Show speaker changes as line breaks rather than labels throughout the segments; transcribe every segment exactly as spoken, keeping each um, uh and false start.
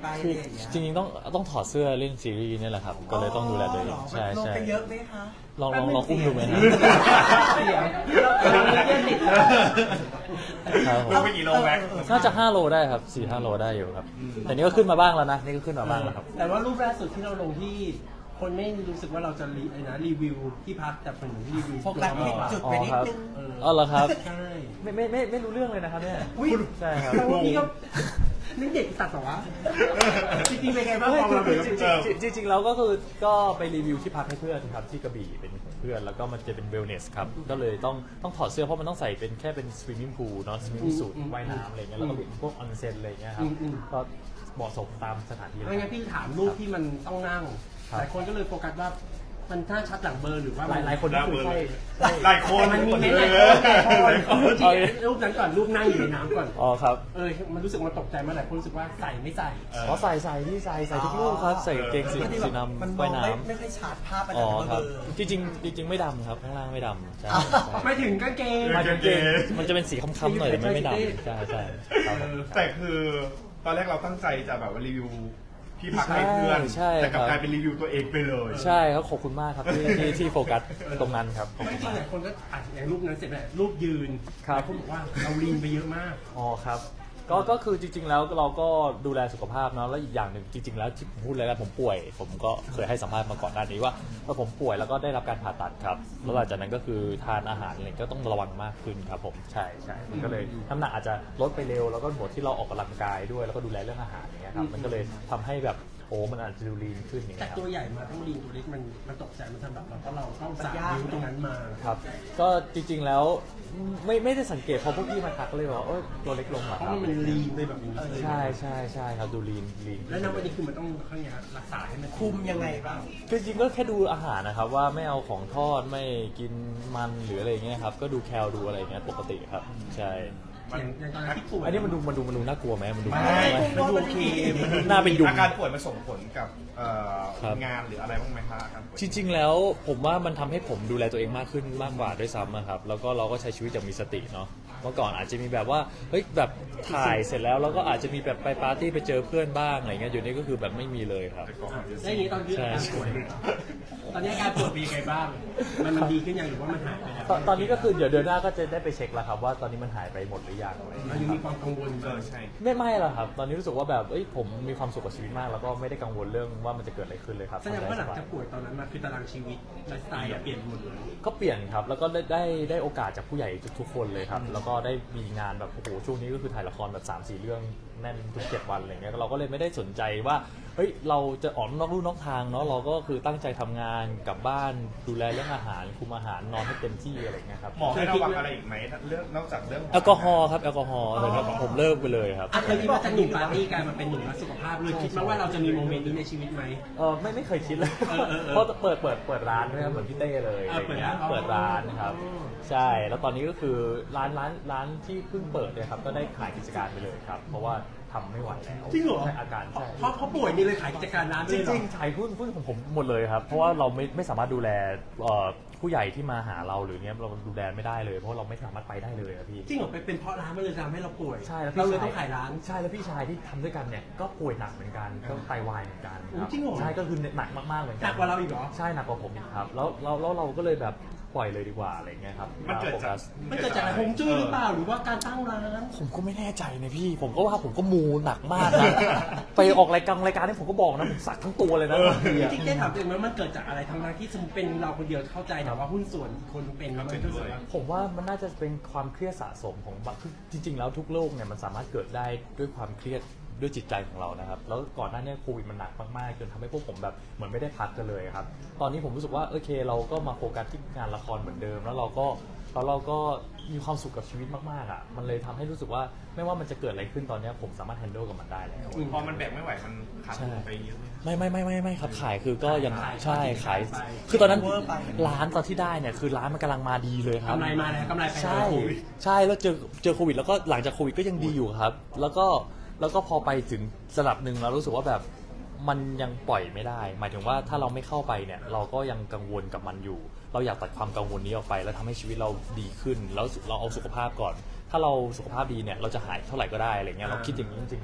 ไป
คือจริงๆต้องต้องถอดเสื้อเล่นซีรีส์นี่แหละครับก็เลยต้องดูแลตัวเองใช่ใช่
ลงไปเยอะไหมคะ
ลองลองลองอุ้มดูไหมนะ
เสียงเราเรียนติด
ครับผม
ลงไปกี่โลแม็ก
น่าจะห้าโลได้ครับสี่ห้าโลได้อยู่ครับแต่นี่ก็ขึ้นมาบ้างแล้วนะนี่ก็ขึ้นมาบ้างแล้วครับ
แต่ว่ารูปล่าสุดที่เราลงที่คนไม่รู้สึกว่าเราจะรีไอ้นะรีวิวที่พักแต่เป็นรีวิว
โฟกัสผิดจุดไปนิดนึง
อ๋อเหรอครับ
ใช่
ไม่ไม่ไม่ไม่รู้เรื่องเลยนะครับเนี่ยใช่ครับ
แต่ว่าพี่ก็นี่เด็กตัดต่อวะจริงๆเป็นไงบ้างความเราเหมือนกับ
จริงๆจริงๆแล้วก็คือก็ไปรีวิวที่พักให้เพื่อนครับที่กระบี่เป็นเพื่อนแล้วก็มันจะเป็นเวลเนสครับก็เลยต้องต้องถอดเสื้อเพราะมันต้องใส่เป็นแค่เป็นสวิมมิ่งพูลเนาะสวิมมิ่งสูทว่ายน้ำอะไรเงี้ยแล้วก็เป็นพวกออนเซ็นอะไรเงี้ยครับก็เหมาะสมตามสถานที่
ไม่งั้นพี่ถามรูปที่มันต้องนั่งหลายคนก็เลยโฟกัสว่ามันน่าชัดหลังเบอร์หรือว่า
หลายหลายคนก็คือใช่
หลายคน
มันมีไหมหลายคนรูปนั้นก่อนรูปนั่งอยู่ในน้ำก่อน
อ๋อครับ
เออมันรู้สึกมันตกใจมาหลายคนรู้สึกว่าใส่ไม่ใส่
อ๋อใส่ใส่ที่ใส่ใส่ทุกลูกครับใส่เกงสีสีน้
มัน
ำ
มอ
ว่าง ยน้
ไม่ไม่ค่อยชัดภาพอะไร
ำอ๋อ
แต่
ครับ
เบอร์
จริงจริงจริงๆไม่ดำครับข้างล่างไม่ดำใช่
ไม่ถึงกางเกง
มาจนเกงมันจะเป็นสีค้ำๆหน่อยแต่ไม่ไม่ดำใช่ใช่ครับผม
แต่คือตอนแรกเราตั้งใจจะแบบว่ารีวิวที่พักให้เพื่อน
ใช่
แต่กลับ
ครับ
กลายเป็นรีวิวตัวเองไปเลย
ใช่ครับขอบคุณมากครับที่ที่ที่โฟกัสตรงนั้นครับขอบ
ไม่
คุณ
จริง
มาก
หลายคนก็อ่ะอย่างรูปนั้นเสร็จแล้วรูปยืน
ครับ
หลายคนบอกว่าเราลีนไปเยอะมาก
อ๋อครับก็ก็คือจริงๆแล้วเราก็ดูแลสุขภาพเนาะแล้วอีกอย่างหนึ่งจริงๆแล้วที่ผมพูดเลยนะผมป่วย ผมก็เคยให้สัมภาษณ์มาก่อนหน้านี้ว่าเออผมป่วยแล้วก็ได้รับการผ่าตัดครับแล้วหลังจากนั้นก็คือทานอาหารอะไรก็ต้องระวังมากขึ้นครับผมใช่ใช่มันก็เลยน้ำหนักอาจจะลดไปเร็วแล้วก็บวกที่เราออกกำลังกายด้วยแล้วก็ดูแลเรื่องอาหารอย่างเงี้ยครับมันก็เลยทำให้แบบโอ้มันอาจจะดูลีนขึ้นอย่าง
แต่
เงี้ยครับ
ตัวใหญ่มาต้องลีนตัวเล็กมันมันตกใจมันสำหรับเราเพราะเราต้องสาดนิ้วตรงนั้นมา
ครับก็จริงๆแล้วไม่ไม่ได้สังเกตพอพวกพี่มาทักเลยว่าเออตัวเล็กลงเหรอ
เพ
ค
ราะ
รับ
มันลีนไปแบบนี้เลย
ใช่ใช่ใช่ครับดูลีนลีน
แล้วณวันนี้คือมันต้องข้างเนี้ยรักษาให้มัน
คุมยังไงบ้าง
คือจริงๆก็แค่ดูอาหารนะครับว่าไม่เอาของทอดไม่กินมันหรืออะไรเงี้ยครับก็ดูแคลดูอะไรเงี้ยปกติครับใช่
อย่างอย่างตอนนั้นที่ป่วย
อันนี้มันดูมันดูมันดูน่ากลัวไหมมันดู
ไม่
มันดูโอเคมันดู
น่าเป็นยุง
อาการป่วยมันส่งผลกับเอ่อ
ครับ
งานหรืออะไรบ้างไหมคะอาการป่วย
จริงๆแล้วผมว่ามันทำให้ผมดูแลตัวเองมากขึ้นมากกว่าด้วยซ้ำนะครับแล้วก็เราก็ใช้ชีวิตอย่างมีสติเนาะเมื่อก่อนอาจจะมีแบบว่าเฮ้ยแบบถ่ายเสร็จแล้วเราก็อาจจะมีแบบไปปาร์ตี้ไปเจอเพื่อนบ้างอะไรเงี้ยอยู่นี้ก็คือแบบไม่มีเลยครับ
แล้วอย่างนี้ตอนที่อาการป่วยตอนนี้อาการป่วยเป็นยังไงบ้างมันมันดีขึ้นยังหรือว่ามันหายไปแล้ว
ตอนตอนนี้ก็คือเดี๋ยวเดือนหน้าก็จะได้ไปเช็คแล้วครับว่าตอนนี้มันหายไปหมดหรือยังอะไร
เรายังมีความกังวล
เออใช่
ไม่ไม่หรอกครับ ตอนนี้รู้สึกว่าแบบเอ้ยผมมีความสุขกับชีวิตมาก แล้วก็ไม่ได้กังวลเรื่องว่ามันจะเกิดอะไรขึ้นเลยครับ
แสดงว่าหลังจากป่วยตอนนั้นมาคือตารางชีวิตไลฟ์สไตล์อะเปลี่ยนหมดเลย
ก็เปลี่ยนครับ แล้วก็ได้ได้ได้โอกาสจากผู้ใหญ่ทุกๆคนเลยครับ แล้วก็ได้มีงานแบบโอ้โหช่วงนี้ก็คือถ่ายละครแบบ สามสี่ เรื่องแน่นทุกเจ็ดวันอะไรเงี้ยเราก็เลยไม่ได้สนใจว่าเฮ้ยเราจะออกนอกลู่นอกทางเนาะเราก็คือตั้งใจทำงานกลับบ้านดูแลเรื่องอาหารคุมอาหารนอนให้เต็มที่อะไรเงี้ยครับ
หมอให้ระวังอะไรอีกไหมเรื่องนอกจากเรื่อง
แอลกอฮอล์ครับแอลกอฮอล์แต่ว่าผมเลิกไปเลยครับ
อ่ะเคยคิดว่าจะหนุ่มปาร์ตี้กลายมาเป็นหนุ่มรักสุขภาพเลยคิดมาว่าเราจะมีโมเมนต์นี้ในชีวิตไหม
เออไม่ไม่เคยคิดเลย
เออเออเออ
เพราะเปิดเปิดเปิดร้านด้วยครับเหมือนพี่เต้เลย
เออเปิดร้าน
เปิดร้านนะครับ
อ๋อ
ใช่ แล้วตอนนี้ก็คือร้านร้านร้านที่เพิ่งเปิดเนี่ยครับก็ได้ขายกิจการไปเลยครับ เพราะว่าทำไม่ไหวแล้ว
จริงเหรอ
ใช่อาการใช่
เพราะเขาป่วยนี่เลยขายกิจการร้าน
จ
ด้วยเหรอ
ริงๆขายหุ้นหุ้นของผมหมดเลยครับ เพราะว่าเราไม่ไม่สามารถดูแลเอ่อผู้ใหญ่ที่มาหาเราหรือเนี้ยเราดูแลไม่ได้เลย เพราะเราไม่สามารถไปได้เลยครับพี่
จริงเหรอไปเป็นเพราะร้านมันเลยทำให้เราป่วย
ใช่แล้ว
เรา
พี่
เลย
ชาย
ต้องขายร้าน
ใช่แล้วพี่ชายที่ทำด้วยกันเนี่ยก็ป่วยหนักเหมือนกันก็ไตวายเหมือนกันค
โอ้
รับ
จริงเหรอ
ใช่ก็คือหนักมากๆเหมือนกั
หนักกว่าเราอีกเหรอ
ใช่หนักกว่าผมอีกครับแล้วแล้วแล้วเราก็เลยแบบปล่อยเลยดีกว่าอะไรเงี้ยครับ
มันเกิดจาก
โฟส
มันเกิดจากอะไรฮวงจุ้ยหรือเปล่าหรือว่าการตั้งร้าน
ผมก็ไม่แน่ใจนะพี่ ผมก็ว่าผมก็มูหนักมากนะ ไปออกรายการรายการนี่ผมก็บอกนะผมสักทั้งตัวเลยนะบางทีอะ
จริงๆได้ถามตัวเองไหมมันเกิดจากอะไรทั้งนั้นที่สมมติเป็นเราคนเดียวเข้าใจแต่ว่าหุ้นส่วนอีกคนเป็นแล้วมันก็รู้สึกว่า
ผมว่ามันน่าจะเป็นความเครียดสะสมของบางคือจริง ๆ แล้วทุกโรคเนี่ยมันสามารถเกิดได้ด้วยความเครียดด้วยจิตใจของเรานะครับแล้วก่อนหน้านี้โควิดมันหนักมากๆจนทำให้พวกผมแบบเหมือนไม่ได้พักกันเลยครับตอนนี้ผมรู้สึกว่าโอเคเราก็มาโฟกัสที่งานละครเหมือนเดิม แล้วเราก็แล้วเราก็มีความสุขกับชีวิตมากๆอ่ะมันเลยทำให้รู้สึกว่าไม่ว่ามันจะเกิดอะไรขึ้นตอนนี้ผมสามารถแฮนด์ลกับมันได้แล้ว
พอมันแบกไม่ไหวมันขาดทุนไปเยอะเลย
ไม่ไม่ไม่ไม่ไม่ครับขายคือก็ยัง
ขาย
ใช่ขาย
ขาย
คือตอนนั้น
เวอร์ไป
ร้านตอนที่ได้เนี่ยคือร้านมันกำลังมาดีเลยครับ
กำไรมาแล้วกำไรไป
ใช่
แล้ว
ใช่แล้วเจอเจอโควิดแล้วก็หลังจากโควิดก็ยังดีอยู่ครับ แล้วก็แล้วก็พอไปถึงระดับหนึ่งเรารู้สึกว่าแบบมันยังปล่อยไม่ได้ หมายถึงว่าถ้าเราไม่เข้าไปเนี่ยเราก็ยังกังวลกับมันอยู่ เราอยากตัดความกังวลนี้ออกไป แล้วทำให้ชีวิตเราดีขึ้นแล้วเราเอาสุขภาพก่อน ถ้าเราสุขภาพดีเนี่ยเราจะหายเท่าไหร่ก็ได้อะไรเงี้ยเราคิดอย่างนี้จริงๆนะ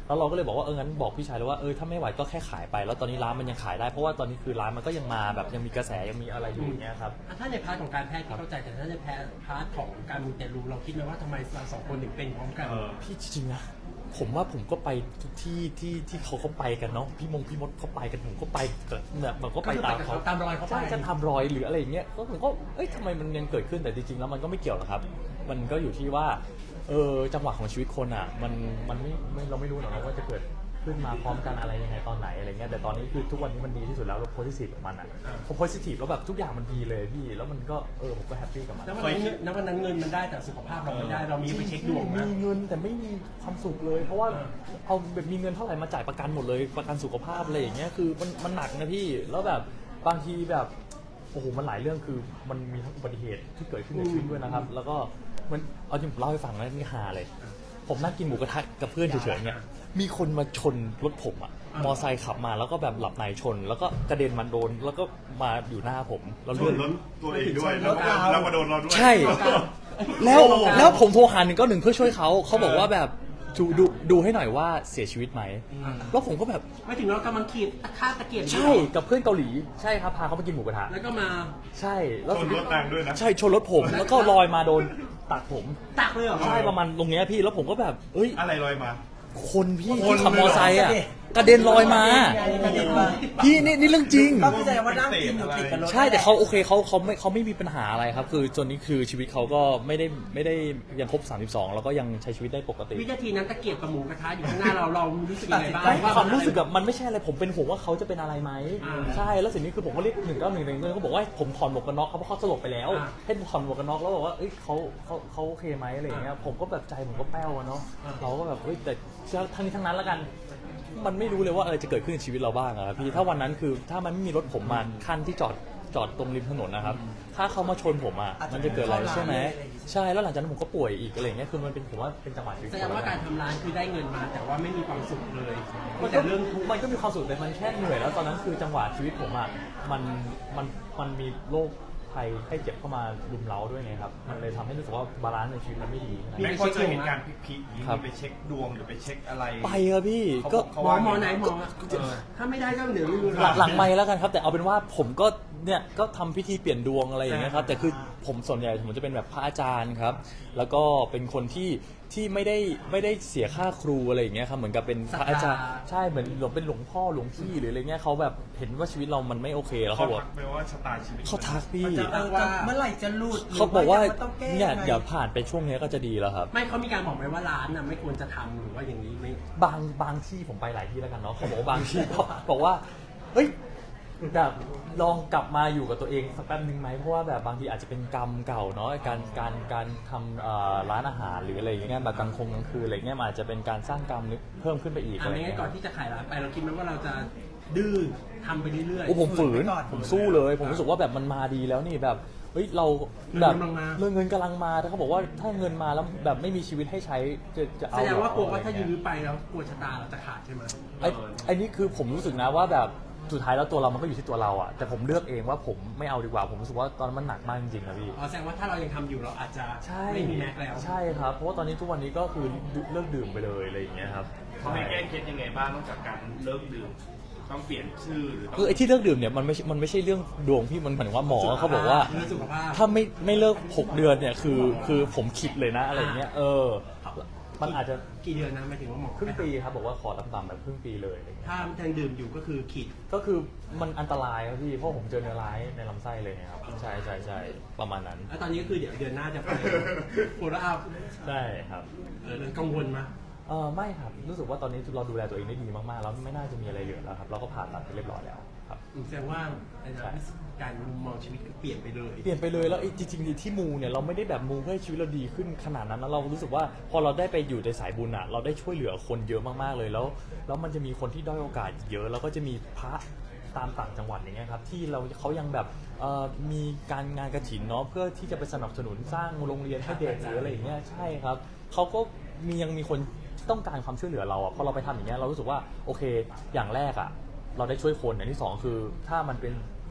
แล้วเราก็เลยบอกว่าเอองั้นบอกพี่ชายเลยว่าเออถ้าไม่ไหวก็แค่ขายไปแล้วตอนนี้ร้านมันยังขายได้เพราะว่าตอนนี้คือร้านมันก็ยังมาแบบยังมีกระแสยังมีอะไรอยู่อย่างเงี้ยครับ
อ่ะถ้าในพาร์ทของการแพทย์ที่เข้าใจแต่ถ้าในแพทย์พาร์ทของการมูเตลูเราคิดไหมว่าทำไมเราสองคนถึงเป็นพร้อมกัน
เออ
พี่จริงๆนะผมว่าผมก็ไปทุกที่ที่ที่เขาเขาไปกันเนาะพี่มงพี่มดเขาไปกันผมก็ไปแบบมันก็ไปตามเขา
ตามรอยเขาไป
ใช่จะทำรอยหรืออะไรอย่างเงี้ยก็ผมก็เอ้ยทำไมมันยังเกิดขึ้นแต่จริงๆแล้วมันก็ไม่เกี่ยวหรอกครับ มันก็อยู่ที่ว่าเออจังหวะของชีวิตคนอ่ะมันมันไม่ไม่เราไม่รู้หรอกนะว่าจะเกิดขึ้นมาพร้อมกันอะไรยังไงตอนไหนอะไรเงี้ยแต่ตอนนี้คือทุกวันนี้มันดีที่สุดแล้วเราโพสิทีฟกับมันอ่ะพอโพสิทีฟแล้วแบบทุกอย่างมันดีเลยพี่แล้วมันก็เออผมก็แฮปปี้กับมัน
แล้ววันนั้นแล้ววันนั้นเงินมันได้แต่สุขภาพเราไม่ได้เรามีไปเช็คดวง
มี
นะ
เงินแต่ไม่มีความสุขเลย เพราะว่าเอาแบบมีเงินเท่าไหร่มาจ่ายประกันหมดเลยประกันสุขภาพอะไรอย่างเงี้ยคือมันมันหนักนะพี่แล้วแบบบางทีแบบโอ้โหมันหลายเรื่องคือมันมีทั้งอุบัติเหตุที่เกิดขึ้นในชีวิตด้วยนะครับแล้วก็มันเอาจริงผมเล่าให้ฟังนะนี่ฮาเลยผมนั่งกินหมูกระทะกับเพื่อนเฉยๆเนี่ยมีคนมาชนรถผมอะมอไซค์ขับมาแล้วก็แบบหลับในชน แล้วก็กระเด็นมาโดนแล้วก็มาอยู่หน้าผมแล้ว
ช
เลื่อน น
รถตัวเองด้วยแล้วก็แล้วมาโดนเราด้วย
ใช่ แล้วแล้วผมโทรหาหนึ่งก็หนึ่งเพื่อช่วยเขาเขาบอกว่าแบบดูดูดูให้หน่อยว่าเสียชีวิตไหมแล้วผมก็แบบ
ไม่ถึงเรากำลังขีดค่าตะเกียบ
ใช่กับเพื่อนเกาหลีใช่ครับพาเขาไปกินหมูกระทะ
แล้วก็มา
ใช่แล้ว
ชนรถนางด้วยนะ
ใช่ชนรถผมแล้วก็ลอยมาโดนตักผม
ตักเลยเหรอ
ใช่ประมาณตรงเนี้ยพี่แล้วผมก็แบบเอ้ย
อะไรลอยมา
คนพี่
คน
ที่ขับมอไซค์อ่ะ
เลยเหรอ
กระเด็นลอยมา
กระเด็นมา
พี่นี่นี่เรื่องจริง
ก็คือแสดงว่านั่งกินอยู่ติดกับรถ
ใช่แต่เขาโอเคเขาเขาไม่เขาไม่มีปัญหาอะไรครับ คือจนนี้คือชีวิตเขาก็ไม่ได้ไม่ได้ยังครบสามสิบสองแล้วก็ยังใช้ชีวิตได้ปกติ
วินาทีนั้นตะเกียบกับหมูกระทะอยู่ข้างหน้าเราเรารู้สึกยังไงบ้าง
ไม่ความรู้สึกแบบมันไม่ใช่อะไรผมเป็นห่วงว่าเขาจะเป็นอะไรไหม
อ่า
ใช่แล้วสิ่งนี้คือผมก็เรียกหนึ่งเก้าหนึ่งหนึ่งเขาบอกว่าให้ผมถอนหมวกกันน็อกเขาเพราะเขาสลบไปแล้ว
อ่า
ให้ผมถอนหมวกกันน็อกแล้วบอกว่าเอ้ยเขาเขาเขาโอเคไหมอะไรอย่างเงี้ยผมก็แบบใจผมก็แป้วอะเนาะ
อ่า
เราก็แบบเฮ้ยแต่ทั้งนี้ทั้งนั้นแล้วกัน มันไม่รู้เลยว่าอะไรจะเกิดขึ้นในชีวิตเราบ้างอะครับพี่ถ้าวันนั้นคือถ้ามันไม่มีรถผมมาขั้นที่จอดจอดตรงริมถนนนะครับ ถ้าเขามาชนผมอะมันจะเกิดอะไรใช่ไหมใช่แล้วหลังจากนั้นผมก็ป่วยอีกอะไรอย่างเงี้ยคือมันเป็นผมว่าเป็นจังหวะชีวิต
แสดงว่าการทำร้านคือได้เงินมา แต่ว่าไม่มีความสุขเลยมี
มัน
แต่
ก็
เรื่องทุกข์
มันก็มีความสุขแต่มันแค่เหนื่อยแล้วตอนนั้นคือจังหวะชีวิตผมอ่ะมันมันมันมีโรคภัยไข้เจ็บเข้ามารุมเร้าด้วยไงครับมันเลยทำให้รู้สึกว่าบาลานซ์ในชีวิตมันไม่ดี
ไม่พอเจอเหตุการณ์พีคๆอย่างนี้
ครับ
ไปเช็คดวงหรือไปเช็คอะไร
ไปครับพี่ก็
เขา
หมอ
ว่า
หมอไหนหมอ
เออ
ถ้าไม่ได้ก็เดี๋ยวไม่รู้
หลังหลังไม่แล้วกันครับแต่เอาเป็นว่าผมก็เนี่ยก็ทำพิธีเปลี่ยนดวงอะไรอย่างเงี้ยครับแต่คือผมส่วนใหญ่ผมจะเป็นแบบพระอาจารย์ครับแล้วก็เป็นคนที่ที่ไม่ได้ไม่ได้เสียค่าครูอะไรอย่างเงี้ยครับเหมือนกับเป็นพระอาจารย์ใช่เหมือนหลวงเป็นหลวงพ่อหลวงพี่หรืออะไรเงี้ยเขาแบบเห็นว่าชีวิตเรามันไม่โอเคแล้ว
เขา
เขาบอก
ทักไปว่าชะตาชีวิต
เขาทักพี่
เออจะเมื่อไหร่จะหลุด
เขาบอกว่า
หรืต้องแก้
เนี่ย
งไง
เดี๋ยวผ่านไปช่วงนี้ก็จะดีแล้วครับ
ไม่เขามีการบอกไหมว่าร้านน่ะไม่ควรจะทำหรือว่าอย่างนี้ไม่
บางบางที่ผมไปหลายที่แล้วกันเนาะเขาบอกว่าบางที่ เขาบอกว่าเฮ้ยแบบลองกลับมาอยู่กับตัวเองสักแป๊บนึงไหมเพราะว่าแบบบางทีอาจจะเป็นกรรมเก่าเนาะการการการทำเอ่อร้านอาหารหรืออะไรอย่างเงี้ยแบบกลางคงกลางคืนอะไรเงี้ยมันอาจจะเป็นการสร้างกรรมเพิ่มขึ้นไปอีก
อ่ะ
อะไร
ไม่งั้
เงี้
น
ย
ก่อนที่จะขายร้านไปเราคิดไหมว่าเราจะดื้อทำไปเรื่อย
โอ้ผมฝืน
ฝืนไปก่อน
ผมสู้เลย ผมรู้สึกว่าแบบมันมาดีแล้วนี่แบบเฮ้ยเรา
เงิน
แบบ
กำลังมา
เรื่องเงินกำลังมาแต่เขาบอกว่าถ้าเงินมาแล้วแบบไม่มีชีวิตให้ใช้จะจะ
ๆ
เอา
แสดงว่ากลัวว่า
อะไร
ถ้า
เงี้
ยื้อไปแล้วกลัวชะตาเราจะขาดใช่ไหม
ไอ้ไอ้นี่คือผมรู้สึกนะว่าแบบสุดท้ายแล้วตัวเรามันก็อยู่ที่ตัวเราอะแต่ผมเลือกเองว่าผมไม่เอาดีกว่า ผมรู้สึกว่าตอนนั้นมันหนักมากจริงๆนะพี่
อ๋อแสดงว่าถ้าเรายังทำอยู่เราอาจจะ
ใช่
ไม่มีแม็กแล้ว
ใช่ครับ เพราะว่าตอนนี้ทุกวันนี้ก็คือเลิกดื่มไปเลยอะไรอย่างเงี้ยครับ
เขาให้แก้เคล็ดยังไงบ้างนอกจากการเลิกดื่มต้องเปลี่ยนชื่อหรือต้อง
คือไอ้ที่เลิกดื่มเนี่ยมันไม่ใช่มันไม่ใช่เรื่องดวงพี่มันเหมือนว่าหมอเขาบอกว่า
เรื่องสุขภาพ
ถ้าไม่ไม่เลิกหกเดือนเนี่ยคือคือผมคิดเลยนะอะไรอย่างเงี้ยเออมันอาจจะ
กี่เดือนนะหมายถึงว่าหมอ
ครึ่งปีครับบอกว่าขอต่ำๆแบบครึ่งปีเลยอะไรเงี้ย
ถ้ายังดื่มอยู่ก็คือขีด
ก็คือมันอันตรายครับพี่เพราะผมเจอเนื้อร้ายในลำไส้เลยครับใช่ใช่ใช่ประมาณนั้น
แล้วตอนนี้ก็คือเดี๋ยวเดือนหน้าจะไปโฟล์อัพ
ใช่ครับ
เออกังวลไหม
เออไม่ครับรู้สึกว่าตอนนี้เราดูแลตัวเองได้ดีมากๆแล้วไม่น่าจะมีอะไรเหลือแล้วครับเราก็ผ่าตัดไปเรียบร้อยแล้วครับ
แสดงว่าไอ้นะการมุมมองชีวิตก็เปลี่ยนไปเลย
เปลี่ยนไปเลยแล้วไอ้จริงๆที่มูเนี่ยเราไม่ได้แบบมูเพื่อให้ชีวิตเราดีขึ้นขนาดนั้นนะเรารู้สึกว่าพอเราได้ไปอยู่ในสายบุญอ่ะเราได้ช่วยเหลือคนเยอะมากๆเลยแล้วแล้วมันจะมีคนที่ด้อยโอกาสเยอะแล้วก็จะมีพระตามต่างจังหวัดอย่างเงี้ยครับที่เราเขายังแบบเอ่อมีการงานกฐินเนาะเพื่อที่จะไปสนับสนุนสร้างโรงเรียนให้เด็กหรืออะไรอย่างเงี้ยใช่ครับเขาก็มียังมีคนต้องการความช่วยเหลือเราอ่ะพอเราไปทำอย่างเงี้ยเรารู้สึกว่าโอเคอย่างแรกอ่ะเราได้ช่วยคนอย่างที่สองคือถ้ามันเป็น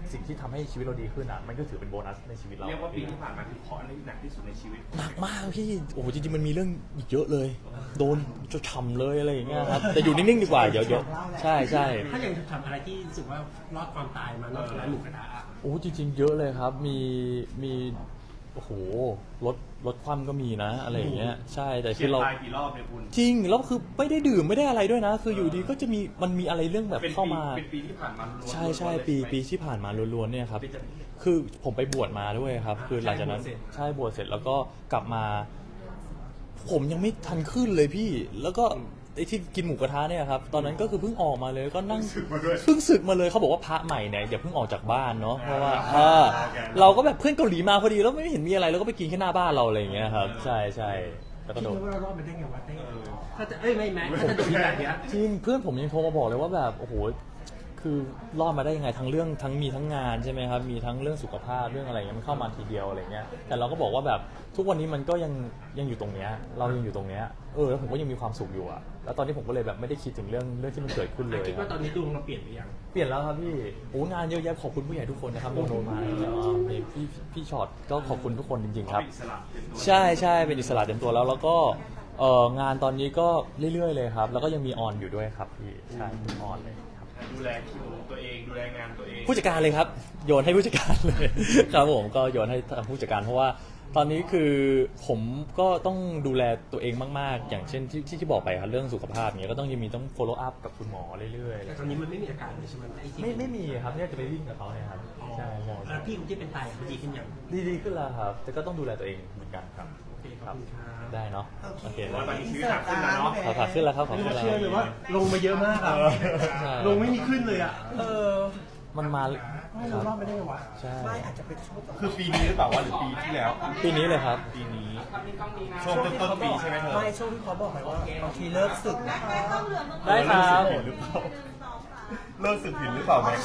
สิ่งที่ทำให้ชีวิตเราดีขึ้นอ่ะมันก็ถือเป็นโบนัสในชีวิตเรา
เรียกว่าปีที่ผ่านมาคือขออันนี้หนักที่สุดในชีวิต
หนักมากพี่โอ้โหจริงๆมันมีเรื่องอีกเยอะเลย โดนจะฉ่ำเลยอะไรอย่างเงี้ยครับแต่อยู่นิ่งๆดีกว่าเดี๋ยวเดี๋ยวใช่ใช่
ถ้าอย่างทำอะไรที่รู้สึกว่ารอดความตายมานอกจากร้านหมูกระทะอะ
โอ้จริงๆเยอะเลยครับ มีมีโอ้โหรถรถคว่ำก็มีนะอะไรอย่างเงี้ยใช่แต่
เขี
คื
ยน
อเรา
ตายกี่รอบเนี่ยคุณ
จริงแล้วคือไม่ได้ดื่มไม่ได้อะไรด้วยนะ คืออยู่ดีก็จะมีมันมีอะไรเรื่องแบบ
เป็น
เข้า
ปี
มา
เป็นปีที่ผ่านมาล้วนๆ
ใช่ใช่
เลย
ปี
ใช่ไหม
ปีที่ผ่านมาล้วนๆเนี่ยครับ
เป็นจะ
คือผมไปบวชมาด้วยครับ คือหลังจากนั้น
ใช่บวชเสร็จ
ใช่บวชเสร็จแล้วก็กลับมา ผมยังไม่ทันขึ้นเลยพี่ แล้วก็ไอ้ที่กินหมูกระทะเนี่ยครับตอนนั้นก็คือเพิ่งออกมาเลยก็นั่ง
สึกมาด้วย
เพิ่งศึกมาเลยเขาบอกว่าพระใหม่เนี่ยอย่าเพิ่งออกจากบ้านเนาะเพราะว่า
อ่า
อ่า
โอเค
เราก็แบบเพื่อนเกาหลีมาพอดีแล้วไม่เห็นมีอะไรแล้วก็ไปกินแค่หน้าบ้านเราอะไรอย่างเงี้ยครับใช่ใช่แล้วก็
คิด
โดน
ว่าเรารอดมาได้ไงวะเต้ถ้าจะเอ้ยไม่แม้ถ้าจะโดนแบบเนี้ย
จริงเพื่อนผมยังโทรมาบอกเลยว่าแบบโอ้โหคือรอดมาได้ยังไงทั้งเรื่องทั้งมีทั้งงานใช่ไหมครับมีทั้งเรื่องสุขภาพเรื่องอะไรเงี้ยมันเข้ามาทีเดียวอะไรเงี้ยแต่เราก็บอกว่าแบบทุกวันนี้มันก็ยังยังอยู่ตรงเนี้ยเรายังอยู่ตรงเนี้ยเออแล้วผมก็ยังมีความสุขอยู่อะแล้วตอนนี้ผมก็เลยแบบไม่ได้คิดถึงเรื่องเรื่องที่มันเกิดขึ้นเลย
คิดว่าตอนนี้ดวงเราเปลี่ยนไปยัง
เปลี่ยนแล้วครับพี่โอ้งานเยอะแยะขอบคุณผู้ใหญ่ทุกคนนะครับโนโนมาแล้วก็มีพี่พี่ช็อตก็ขอบคุณทุกคนจริงๆครับ
เป็นอิสระเต็มตัว
ใช่ใช่เป็นอิสระเต็มตัวแล้วแล้วก็เอ่องานตอนนี้ก็เรื่อยๆเลยครับ แล้วก็ยังมีออนอยู่ด้วยครับพี่ใช่มีออนเลยครับ
ดูแลคิวตัวเองดูแลงานตัวเอง
ผู้จัดการเลยครับโยนให้ผู้จัดการเลย ครับผมก็โยนให้ทางผู้จัดการเพราะว่าตอนนี้คือผมก็ต้องดูแลตัวเองมากๆ อย่างเช่นที่ที่ที่บอกไปครับเรื่องสุขภาพอย่างเงี้ยก็ต้องยังมีต้อง follow up กับคุณหมอเรื่อยๆ
แต่ตอนนี้มันไม่มีอาการเลยใช่ไหมอ้ที่
ไม่ไม่มีครับเนี่ยจะไปวิ่งกับเขาเนี่ยครับ
อ๋อ
ใช่ใช่
แล้วพี่คนที่เป็นไตเขาดีขึ้นยัง
ดีดีขึ้นแล้วครับ แต่ก็ต้องดูแลตัวเองเหมือนกันครับ
โอเคขอบคุณครับ
ได้เนาะโอเค
ว่าตอนนี้ชีวิตหนักขึ้นแล้วเนาะ
ขอขาขึ้นแล้วครับขอ
ไม่
ขึ้นแล้ว
เชื่อเลยว่าลงมาเยอะมากอะ
ใช่
ลงไม่มีขึ้นเลยอะ
เออ
มันมา
ไม่
ค
รู้
รับ
รอดไม่ได้ไงวะ
ใช่
ไม่อาจจะเป็นช่วง
คือปีนี้หรือเปล่าวะหรือปีที่แล้ว
ปีนี้เลยครับ
ปีนี้ช่วงต้นต้นๆปีใช่ไหมเธอ
ไม่ช่วงที่เขาบอกไหมว่าบางทีเลิกศึกนะ
ได้ครับ
เลิกสึกผิดหรือเปล่าเลิกสึกผิดหรือเปล่าแม็ก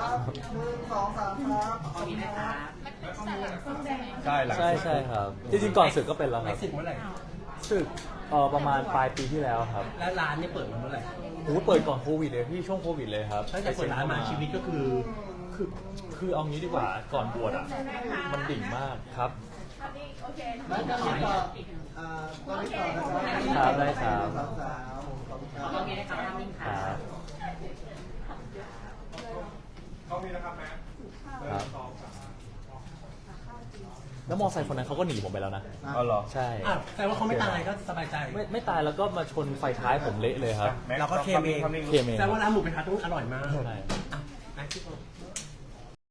ใช่หลัง
ใช่ใช่ครับ จริงๆก่อนศึกก็เป็นแล้วค
ไม่
รับ
สึกเมื่อไหร่
ศึกเอ่อประมาณปลายปีที่แล้วครับ
แล้วร้านเนี่ยเปิดมาเมื่อไหร่
โอ้โหเปิดก่อนโควิดเลยพี่ช่วงโควิดเลยครับ
ตั้งแต่เปิดร้านมาชีวิตก็คือ
คือคือเอางี้ดีกว่าก่อนบวชอ่ะมันดิ่งมากครับ ครับได้ครับครับ
เขามีนะครับแม็ก
ครับแล้วมอไซค์คนนั้นเขาก็หนีผมไปแล้วนะ
อ๋อเหรอ
ใช่
อ่ะแต่ว่าเขาไม่ตายก็สบายใจ
ไม่ไม่ตายแล้วก็มาชนไฟท้ายผมเละเลยครับ
แม็ก
เราก็เคลมเอง
ทำนิ่ง
เคมเอง
แต่ว่าร้านหมูกระทะต้องอร่อยมาก
ใช่